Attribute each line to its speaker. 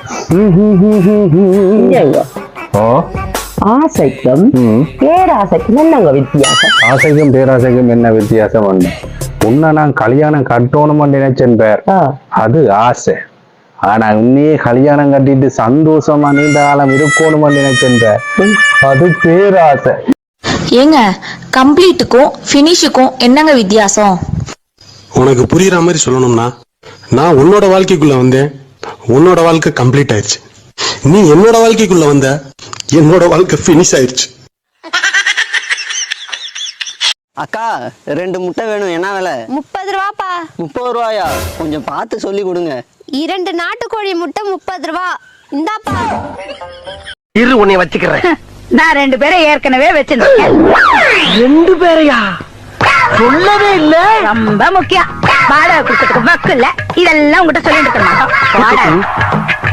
Speaker 1: ஓ
Speaker 2: ஆசைக்கும் பேராசைக்கும் என்னங்க வித்தியாசம்?
Speaker 1: ஆசைக்கும் பேராசைக்கும் என்ன வித்தியாசம் ஒண்ணு? உன்னை நான் கல்யாணம் கட்டணும்னு நினைச்சேன் பேர், அது ஆசை. ஆனா உன்னையே கல்யாணம் கட்டிட்டு சந்தோஷமா நீண்ட காலம் இருக்கணும்னு நினைச்சேன் பேர், அது பேராசை.
Speaker 3: ஏங்க கம்ப்ளீட்டுக்கும் ஃபினிஷுக்கும் என்னங்க வித்தியாசம்?
Speaker 4: உனக்கு புரியுற மாதிரி சொல்லணும்னா, நான் உன்னோட வாழ்க்கைக்குள்ள வந்தேன், உன்னோட வாழ்க்கை கம்ப்ளீட் ஆயிடுச்சு. நீ என்னோட வாழ்க்கைக்குள்ள வந்த, என்னோட வாழ்க்கை ஃபினிஷ் ஆயிடுச்சு.
Speaker 5: அக்கா 2 முட்டை வேணும், என்ன விலை?
Speaker 6: 30 ரூபாப்பா.
Speaker 5: 30 ரூபாயா? கொஞ்சம் பார்த்து சொல்லி கொடுங்க.
Speaker 6: 2 நாட்டுக்கோழி முட்டை 30 ரூபா. இந்தாப்பா.
Speaker 7: இரு உன்னை வச்சுக்கிறேன்.
Speaker 8: நான் 2 பேரை ஏற்கனவே வச்சிருக்கேன்.
Speaker 7: 2 பேரையா? சொல்லவே இல்ல.
Speaker 8: ரொம்ப முக்கியம். வாடகை கொடுக்கறதுக்கு வக்கு இல்ல. இதெல்லாம் உங்ககிட்ட சொல்லிட்டு இருக்க மாட்டோம்.